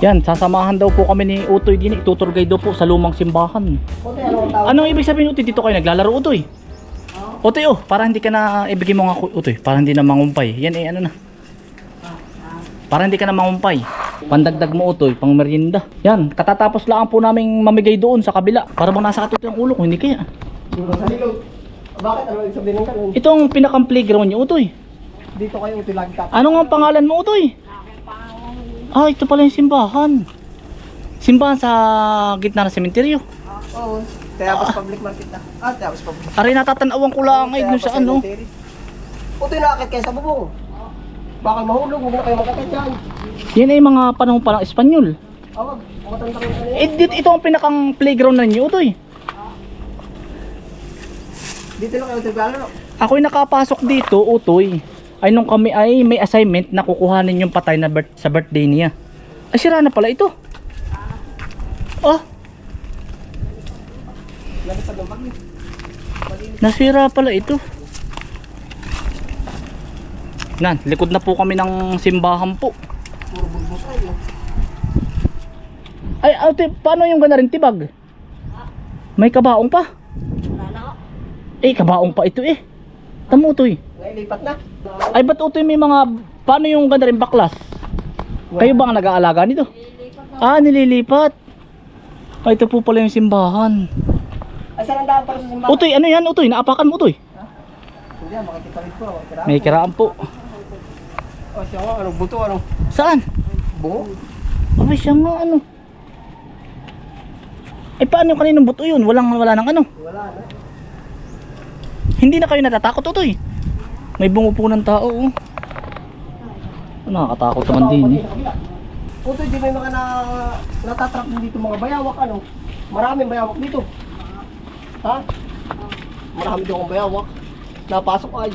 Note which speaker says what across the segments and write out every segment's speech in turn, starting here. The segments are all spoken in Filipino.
Speaker 1: Yan, sasamahan daw po kami ni Utoy din. Itutur guide daw po sa lumang simbahan. Anong ibig sabihin, Utoy? Dito kayo naglalaro, Utoy? Utoy, oh, para hindi ka na, ibigay mo nga, Utoy, para hindi na mangumpay. Yan eh, ano na. Para hindi ka na mangumpay. Pandagdag mo, Utoy, pang merienda. Yan, katatapos lang po naming mamigay doon sa kabila. Para bang nasa katuto yung ulo ko, hindi kaya.
Speaker 2: Bakit? Ano ibig sabihin ng ganun?
Speaker 1: Itong pinakang playground niyo, Utoy.
Speaker 2: Dito kayo utilag ka.
Speaker 1: Ano nga pangalan mo, Utoy? Ah, ito pala yung simbahan. Simbahan sa gitna ng sementeryo.
Speaker 2: Oo. Tayabas Public Market na. Tayabas Public.
Speaker 1: Aray, natatanawan ko lang ay dun sa ano.
Speaker 2: Puto nakakit kayo sa bubong. Baka mahulog, huwag na kayo magkakit dyan.
Speaker 1: Yan ay mga panahon pa ng Espanyol.
Speaker 2: Awag, matanda rin kanina.
Speaker 1: Ito ang pinakang playground na niyo, Utoy.
Speaker 2: Dito lang kayo utilag.
Speaker 1: Ako'y nakapasok dito, Utoy. Ay nung kami ay may assignment na kukuhanin yung patay na sa birthday niya. Ay sira na pala ito. Oh,
Speaker 2: Lalipad ng bagyo.
Speaker 1: nasira pala ito. Nan, likod na po kami ng simbahan po.
Speaker 2: Puro bulbos ay.
Speaker 1: Ay, ate, paano yung gana rin tibag? May kabaong pa? Eh, kabaong pa ito eh. Tamo, Utoy.
Speaker 2: Nailipat na.
Speaker 1: Ay, ba't, Utoy, may mga, paano yung gana rin baklas? Kayo ba ang nag-aalaga nito? Ah, nililipat. Ay, ito po pala yung simbahan.
Speaker 2: Ay, saan ang daan para sa simbahan?
Speaker 1: Utoy, ano yan, Utoy? Naapakan mo, Utoy?
Speaker 2: Hindi, makikita rin po.
Speaker 1: May kiraan po.
Speaker 2: Oh, siya nga, anong buto, anong
Speaker 1: Saan?
Speaker 2: bungo?
Speaker 1: Ay, siya nga, ano? Ay, paano yung kaninong buto yun? Wala nang ano?
Speaker 2: Wala na.
Speaker 1: Hindi na kayo natatakot, Utoy? May bungo po ng tao, oh. Nakakatakot naman din, eh.
Speaker 2: Puto, di may mga natatrap din dito mga bayawak, ano? Maraming bayawak dito. Ha? Marami doon ang bayawak. Napasok ay.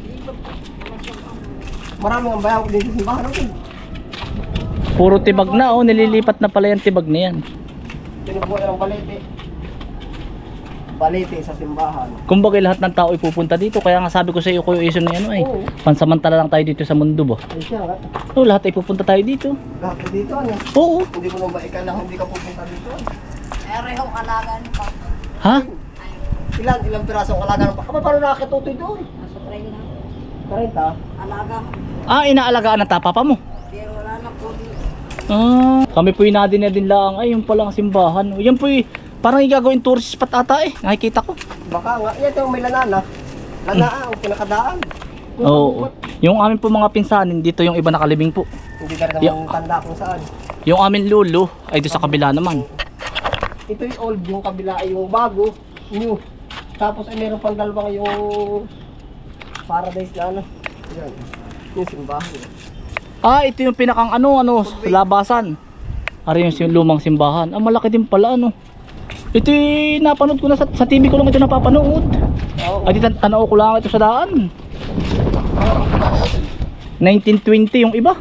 Speaker 2: Maraming ang bayawak dito sa simbahan natin.
Speaker 1: Puro tibag na, oh. Nililipat na pala yung tibag na yan.
Speaker 2: Tinubuhay ng balete. Balete sa simbahan.
Speaker 1: Kumbaga lahat ng tao ay pupunta dito. Kaya nga sabi ko sa iyo, Kuya Ison, na ano, eh.
Speaker 2: Oo.
Speaker 1: Pansamantala lang tayo dito sa mundo, ba?
Speaker 2: Ay siya nga.
Speaker 1: Oh, lahat ay pupunta tayo dito.
Speaker 2: Lahat na dito, ano?
Speaker 1: Oo.
Speaker 2: Hindi mo nang ba ikalang hindi ka pupunta dito?
Speaker 3: Erehong alaga ni Papa.
Speaker 1: Ha?
Speaker 2: Ilang pirasong alaga ng baka paano nakakitutoy doon?
Speaker 3: Nasa train na.
Speaker 2: 30?
Speaker 3: Alaga.
Speaker 1: Ah, inaalagaan ng tapapa mo.
Speaker 3: Pero wala na po.
Speaker 1: Ah, kami po'y nadin lang. Ay, yung palang simbahan. Yan po'y parang igagawin tourist spot ata eh. Nakikita ko.
Speaker 2: Baka nga, yan yung may lanana. Lanaa, ang pinakadaan.
Speaker 1: Oo. Yung amin po mga pinsanin, dito yung iba nakalibing po.
Speaker 2: Hindi ka rin namang tanda kung saan.
Speaker 1: Yung amin lulo, ay doon sa kabila naman.
Speaker 2: Ito yung old, yung kabila ay yung bago, new. Tapos ay meron pang dalawang yung paradise na ano. Yan, yung simbahan.
Speaker 1: Ah, ito yung pinakang ano, labasan. Ari yung lumang simbahan. Ah, malaki din pala, ano. Ito yung napanood ko na sa TV ko lang ito napapanood.
Speaker 2: Oo.
Speaker 1: Ay, tanaw ko lang ito sa daan. 1920 yung iba.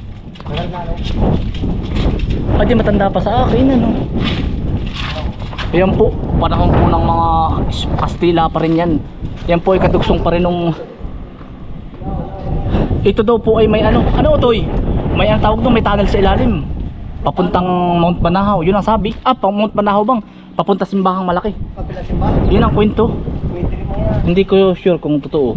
Speaker 1: Ay, di matanda pa sa akin, ano. Ayan po, panahon po ng mga Kastila pa rin yan. Yan po ay kadugsong pa rin nung... Ito daw po ay may ano Utoy? May ang tawag doon, may tunnel sa ilalim. Papuntang Mount Banahaw, yun ang sabi. Ah, pang Mount Banahaw bang? Papunta simbahang malaki.
Speaker 2: Kabila simbahan.
Speaker 1: Yun ang kwento.
Speaker 2: Pwede rin mo yan.
Speaker 1: Hindi ko sure kung totoo.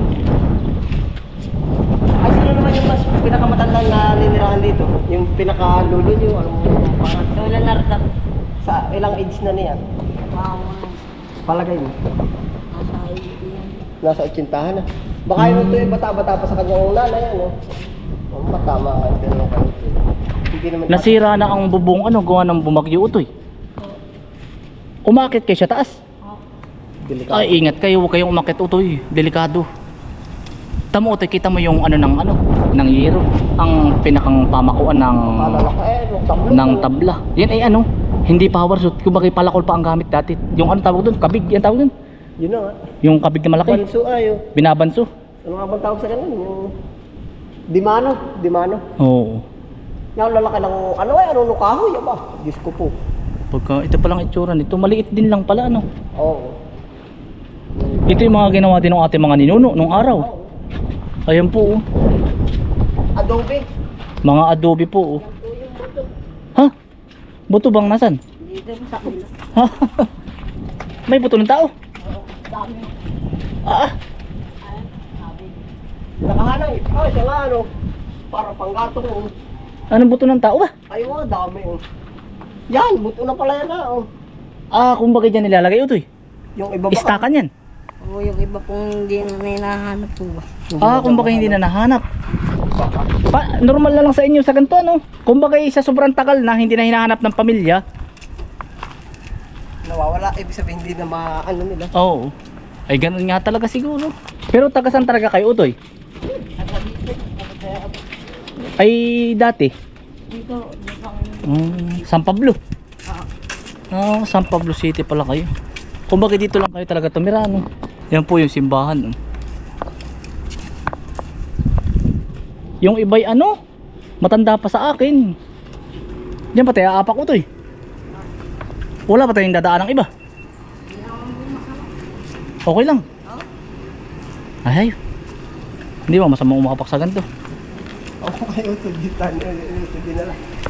Speaker 2: Ay, sino naman yung mas pinakamatandang na ninirahan dito? Yung pinakalulo nyo, anong pangat?
Speaker 3: Lola Narda.
Speaker 2: Sa ilang age na niya?
Speaker 3: Wow.
Speaker 2: Palagay mo.
Speaker 3: Nasa yan.
Speaker 2: Nasa 80 na. Baka yun ito yung bata-bata pa sa kanyang nanay, ano? Oh, matama nga, pero kayo. Hindi naman
Speaker 1: Nasira na ang bubong gawa ng bumagyo, Utoy. Umakit kayo sa taas.
Speaker 2: delikado.
Speaker 1: Ay, ingat kayo, huwag kayong umakit, Utoy. Delikado. Tamo, Utoy, kita mo yung ng yero. Ang pinakang pamakuan ng tabla. Yan ay hindi power suit. Kumbaga palakol pa ang gamit dati. Yung tawag doon, kabig, yan tawag doon.
Speaker 2: Yun na nga.
Speaker 1: Yung kabig na malaki.
Speaker 2: Banso ayo.
Speaker 1: Binabanso.
Speaker 2: Ano nga bang tawag sa ganun? Yung Dimano.
Speaker 1: Oo.
Speaker 2: Yung lalaki ng ano kahoy, ba? Diyos ko po.
Speaker 1: Pagka ito palang itsura nito, maliit din lang pala, ano.
Speaker 2: Oo.
Speaker 1: Ito yung mga ginawa din ng ating mga ninuno nung araw. Ayan po, oh.
Speaker 2: Adobe.
Speaker 1: Mga adobe po, oh. Buto bang nasan?
Speaker 3: Dito sa kulo.
Speaker 1: May buto ng tao.
Speaker 3: Dami.
Speaker 1: Ah,
Speaker 3: Ayan, sabi.
Speaker 2: Nakahanay. Ah, siya nga ano. Para panggatong. Oh.
Speaker 1: anong buto ng tao ba?
Speaker 2: Ay, oh, dami. Oh. Yan, buto na pala yan ah. Oh.
Speaker 1: Ah, kumbaga dyan nilalagay utoy.
Speaker 2: Yung iba ba?
Speaker 1: Istakan yan.
Speaker 3: Oo, yung iba pong hindi na hinahanap po ba?
Speaker 1: Ah, kumbaga hindi na nahanap. Normal na lang sa inyo sa ganito ano. Kumbaga sa sobrang tagal na hindi na hinahanap ng pamilya.
Speaker 2: Nawawala. Ibig sabihin hindi na ano nila.
Speaker 1: Oo. Ay ganun nga talaga siguro. Pero taga saan talaga kayo utoy? Ay dati.
Speaker 3: Dito, dito.
Speaker 1: San Pablo. San Pablo City pala kayo. Kumbaga dito lang kayo talaga tumira no. Yan po yung simbahan. No? Yung iba'y ano? Matanda pa sa akin. Diyan pa tayo aapak utoy. Wala pa tayong dadaan ng iba. Okay lang. Ay, hindi ba masama umakapak sa ganito?
Speaker 2: Okay, ito dinala.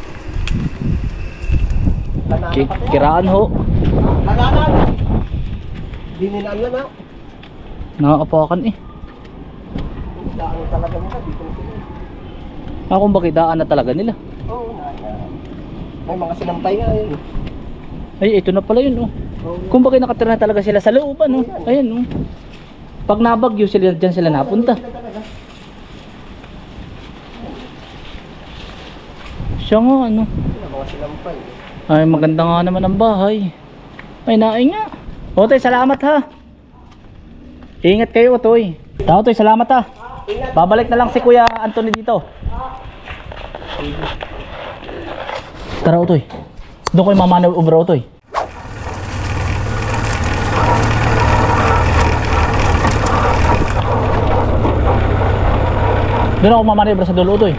Speaker 1: Kiraan ho.
Speaker 2: Lalanan! Dininaan na na.
Speaker 1: Nakakapakan eh.
Speaker 2: Daan talaga nila. Dito na sila.
Speaker 1: Kung bakit daan na talaga nila.
Speaker 2: Oo, may mga sinampay nga yun.
Speaker 1: Ay, ito na pala yun oh.
Speaker 2: Oo.
Speaker 1: Kung bakit nakatira na talaga sila sa loob ano. Ayan oh. Pag nabagyo sila dyan sila napunta. Siya nga ano.
Speaker 2: Mga sinampay.
Speaker 1: Ay maganda nga naman ang bahay. Ay naay nga. Otoy salamat ha. Ingat kayo Otoy. Otoy salamat ha. Babalik na lang si Kuya Anthony dito. Tara Otoy. Doon ko yung mamanobra Otoy. Doon ako mamanobra sa dulo Otoy.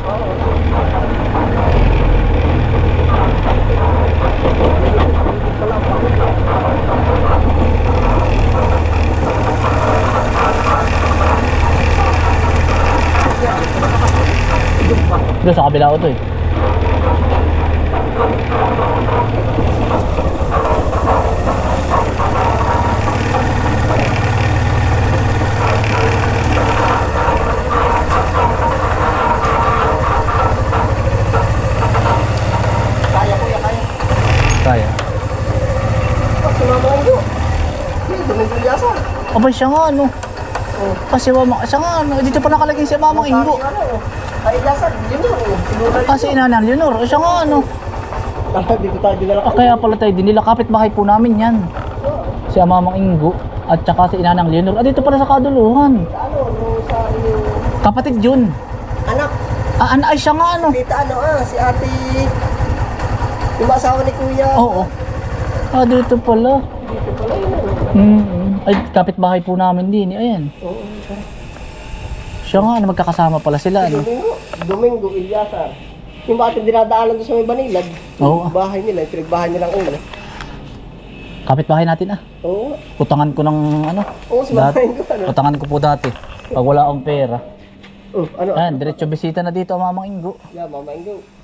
Speaker 1: Doon sa kabila ko to eh.
Speaker 2: Kaya kuya, kaya.
Speaker 1: Kaya.
Speaker 2: Sumama ko. Domingo Lyasa.
Speaker 1: Abay siya nga ano. Kasi siya nga ano. Dito pa nakalagay si Mamang Ingo.
Speaker 2: Ay, Lyasa, yun yun.
Speaker 1: Kasi Inanang Leonor. Siya nga ano.
Speaker 2: Dito tayo dinala.
Speaker 1: Kaya pala tayo din nila. Kapit-bahay po namin yan. Si Mamang Ingo. At saka si Inanang Leonor. Dito pala sa Kaduluhan.
Speaker 2: Ano, sa iyo.
Speaker 1: Kapatid yun.
Speaker 2: Anak,
Speaker 1: Ay siya nga ano.
Speaker 2: tita ano si ate. Yung asawa ni kuya.
Speaker 1: Oo. Dito pala.
Speaker 2: Dito pala yun.
Speaker 1: Ay kapit-bahay po namin din. Ayan.
Speaker 2: Oo.
Speaker 1: Siya nga ano. Magkakasama pala sila ano.
Speaker 2: Domingo, Ilyasar. Yung bakit dinadaanan doon sa may Banilad.
Speaker 1: Oo.
Speaker 2: Yung bahay nila, yung pinagbahay nilang ulo.
Speaker 1: Kapit-bahay natin ah.
Speaker 2: Oo.
Speaker 1: Utangan ko ng ano.
Speaker 2: Oo, si
Speaker 1: dati.
Speaker 2: Mamain ko. Ano?
Speaker 1: Utangan ko po dati. Pag wala akong pera.
Speaker 2: Ano?
Speaker 1: Ayan, diretso bisita na dito ang Mamang Ingo.
Speaker 2: Yeah, Mamain ko.